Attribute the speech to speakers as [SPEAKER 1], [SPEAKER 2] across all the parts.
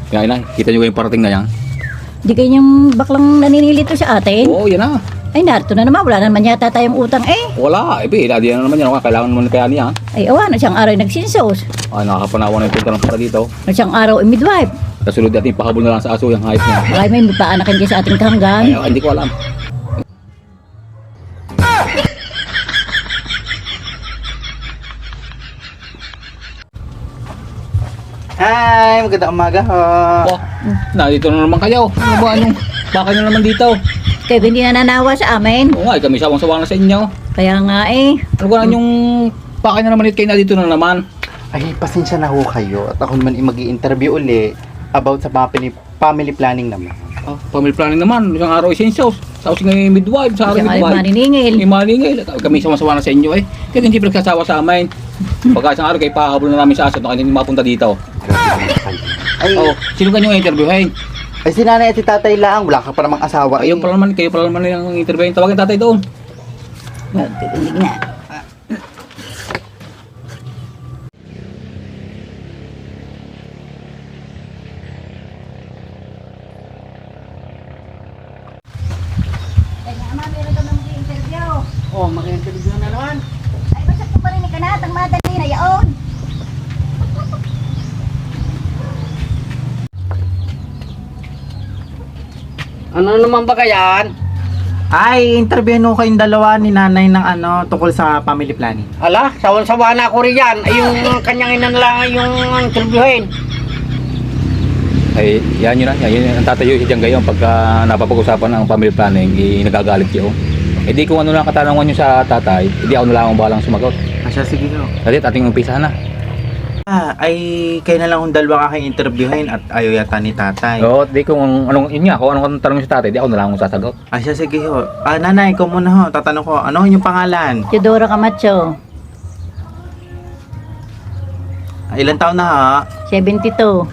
[SPEAKER 1] Yan na, kita nyo yung parating na yan.
[SPEAKER 2] Di kayo yung baklang naninilito sa atin?
[SPEAKER 1] Oo, yan na.
[SPEAKER 2] Ay, narito na naman. Wala na naman yata tayong utang eh.
[SPEAKER 1] Wala, di na naman yan. Kailangan naman kaya niya.
[SPEAKER 2] Ay, awa na siyang araw nagsinsos.
[SPEAKER 1] Ay, nakakapanawa na yung punta ng para dito.
[SPEAKER 2] Na siyang araw ay midwife.
[SPEAKER 1] Kasunod natin, pahabol na lang sa aso yung hayop niya.
[SPEAKER 2] Ay, may paanakin kayo sa ating kahanggan.
[SPEAKER 1] Ay, hindi ko alam.
[SPEAKER 3] Hi, magandang umaga ho.
[SPEAKER 1] Oh, nandito na naman kayo. Ano ba, baka nyo naman dito?
[SPEAKER 2] Kayo hindi na nanawa sa amin.
[SPEAKER 1] Oo nga, kami sawang-sawa na sa inyo.
[SPEAKER 2] Kaya nga eh.
[SPEAKER 1] Ano ba yung baka nyo naman kayo na dito na naman?
[SPEAKER 3] Ay, pasensya na ho kayo. At ako naman mag-i-interview uli about sa family planning naman.
[SPEAKER 1] Oh, family planning naman. Isang araw essentials. Sa using ng midwife, sa araw
[SPEAKER 2] Siyang ay
[SPEAKER 1] midwife.
[SPEAKER 2] maniningil.
[SPEAKER 1] May maningil. Kami sawang-sawa na sa inyo eh. Kaya hindi pinagsasawa sa amin. Pagka isang araw kayo pahabol na namin sa aso, hindi mapunta dito.
[SPEAKER 3] Grabe naman kayo. Ay,
[SPEAKER 1] Oh, sino ka nyo interviewin?
[SPEAKER 3] ay si nanay at si tatay lang. Wala ka pa namang asawa.
[SPEAKER 1] Kayo pala naman yung interviewin. Tawagin tatay doon.
[SPEAKER 2] Hindi na.
[SPEAKER 3] Oh, mag-interview na naman.
[SPEAKER 2] Ay, basta ko pa rin ikanat ang madali na yaon.
[SPEAKER 4] Ano naman ba kayan?
[SPEAKER 3] Ay, interview ho kayong dalawa ni nanay ng tungkol sa family planning.
[SPEAKER 4] Ala, sawan-sawa na ako riyan. Ay, yung kanyang inan lang yung interviewin.
[SPEAKER 1] Ay, yan yun na. Yan ang tatayo si Diyan gayon pagka napapag-usapan ng family planning, nagagalit siya. Eh di kung ano lang katanungan nyo sa tatay, hindi ako na lang ang balang sumagot.
[SPEAKER 3] Asya, sige ho.
[SPEAKER 1] Dali, ating umpisahan na.
[SPEAKER 3] Ay, kayo na lang kung dalawa ka kayong interviewin at ayaw yata ni tatay.
[SPEAKER 1] Oo, di kung anong, yun nga, kung anong tanong sa tatay, di ako na lang ang sasagot.
[SPEAKER 3] Asya, sige ho. Nanay, ikaw muna ho. Tatanong ko, ano yung pangalan?
[SPEAKER 2] Teodoro Camacho,
[SPEAKER 3] Ilan taon na ho?
[SPEAKER 2] 72.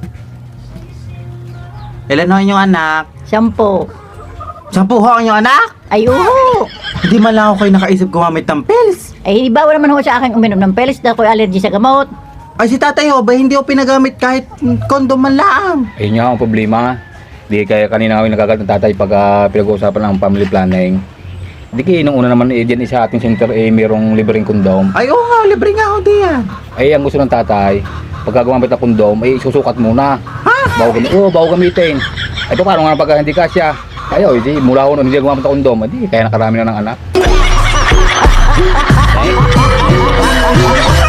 [SPEAKER 3] Ilan ho yung anak?
[SPEAKER 2] 10.
[SPEAKER 3] 10 ho ang yung anak?
[SPEAKER 2] Ay, uho.
[SPEAKER 3] Hindi man lang ako kayo nakaisip gumamit ng pills.
[SPEAKER 2] Ay, bawal naman ho sa akin uminom ng pelis dahil ako'y allergy sa gamot.
[SPEAKER 3] Ay, si tatay ho, ba hindi ho pinagamit kahit kondom man lang?
[SPEAKER 1] Ayun nga ang problema. Di kaya kanina ako yung nagagalit ng tatay pag pinag-uusapan ng family planning. Di kaya nung una naman dyan sa ating center mayroong libreng kondom.
[SPEAKER 3] Ay, oo nga, libre nga ho diyan.
[SPEAKER 1] Ay, ang gusto ng tatay, pagka gumamit ng kondom, ay susukat muna.
[SPEAKER 3] Ha?
[SPEAKER 1] Bago gamitin. Ay, paano nga pagka hindi kasya? Ayaw, hindi, mula ko nun, hindi gumamit ng kondom, hindi, kaya nakarami na ng anak.